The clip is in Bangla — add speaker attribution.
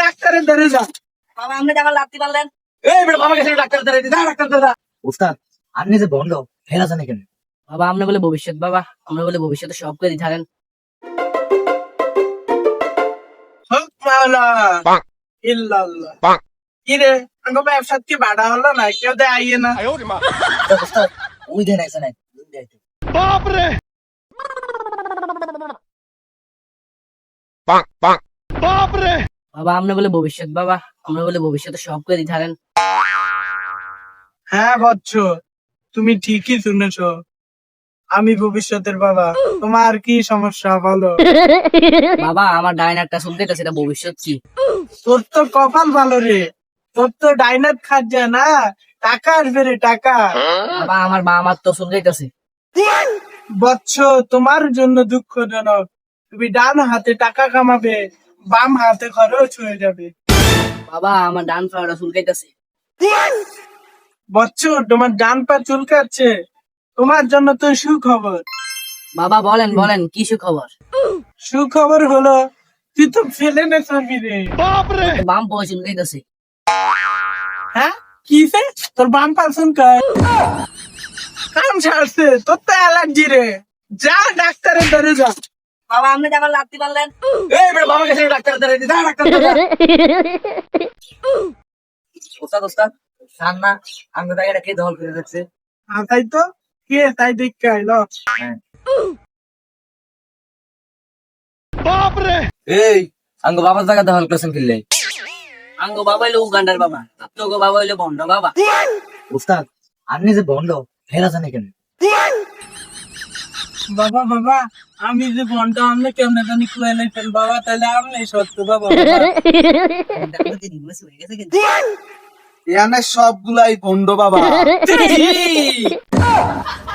Speaker 1: ডাক্তারের দ্বারে যা।
Speaker 2: বাবা আপনি আমার লাত্তি পারলেন।
Speaker 1: এই বেটা বাবা গেছে ডাক্তারের দ্বারে, যা ডাক্তার দ্বারা।
Speaker 3: উস্তাদ আপনি যে বন্ধ ফেরা জানে কেন?
Speaker 2: বাবা আপনি বলে ভবিষ্যৎ, বাবা আমরা বলে ভবিষ্যতে সব করে থাকেন।
Speaker 1: হক মাওলা ইল্লাল্লাহ। কি রে আঙ্গ ব্যবসা কি বাড়া হলো না, কেউ দে আইয়ে না।
Speaker 3: উস্তাদ ওই দেন আইসা নাই
Speaker 2: বাবা আপনি বলে ভবিষ্যৎ, বাবা আমরা বলে ভবিষ্যতে সব করে থাকেন।
Speaker 1: হ্যাঁ বচ্চ, তুমি ঠিকই শুনেছো, আমি ভবিষ্যতের বাবা। তোমার কি সমস্যা বলো?
Speaker 2: বাবা আমার ডাইনারটা শুনতে সেটা ভবিষ্যৎ কি?
Speaker 1: তোর তো কপাল ভালো রে, তোর তো ডাইনাত খাট যায় না, টাকা আসবে রে টাকা।
Speaker 2: বাবা আমার মা আমার তো শুনতে যাইতেছে।
Speaker 1: বচ্চ তোমার জন্য দুঃখজনক, তুমি ডান হাতে টাকা কামাবে, বাম হাতে খরচ হয়ে যাবে।
Speaker 2: বাবা আমার ডান পাটা চুলকাইতেছে।
Speaker 1: বচ্চ তোমার ডান পা চুলকাচ্ছে, তোমার জন্য তো সুখবর।
Speaker 2: বাবা বলেন বলেন কি সুখবর?
Speaker 1: সুখবর হলো তুই তো ফেলে নে চলবি রে।
Speaker 2: তো বাম পাও চুলকাইতেছে।
Speaker 1: হ্যাঁ কি সে তোর বাম পা চুলকায়? কাম ছাড়ছে, তোর তো অ্যালার্জি রে, যা ডাক্তারের দ্বারে যা।
Speaker 2: বাবা আপনি আমার লাত্তি পারলেন।
Speaker 1: এই বেটা বাবা গেছে ডাক্তারের দ্বারে, যা ডাক্তার দ্বারা।
Speaker 3: উস্তাদ উস্তাদ সান না আমাদের জায়গাটা কে দখল করে রাখছে?
Speaker 1: তাই তো, কে তাই দেখতে আইলো।
Speaker 3: এই আঙ্গ বাবার জায়গা দখল করেছেন কিনলে?
Speaker 2: আঙ্গো বাবা হইলো উগান্ডার বাবা, তোগো বাবা হইলো বন্ড বাবা।
Speaker 3: উস্তাদ আপনি যে বন্ধ ফেরা জানে কেন?
Speaker 1: বাবা বাবা আমি যে ঘন্টা আমনে কেমনে জানি খুলে লাইছেন বাবা, তাহলে আমনে সত্য বাবা।
Speaker 4: এখানে সবগুলাই ভণ্ড বাবা।
Speaker 1: বাবা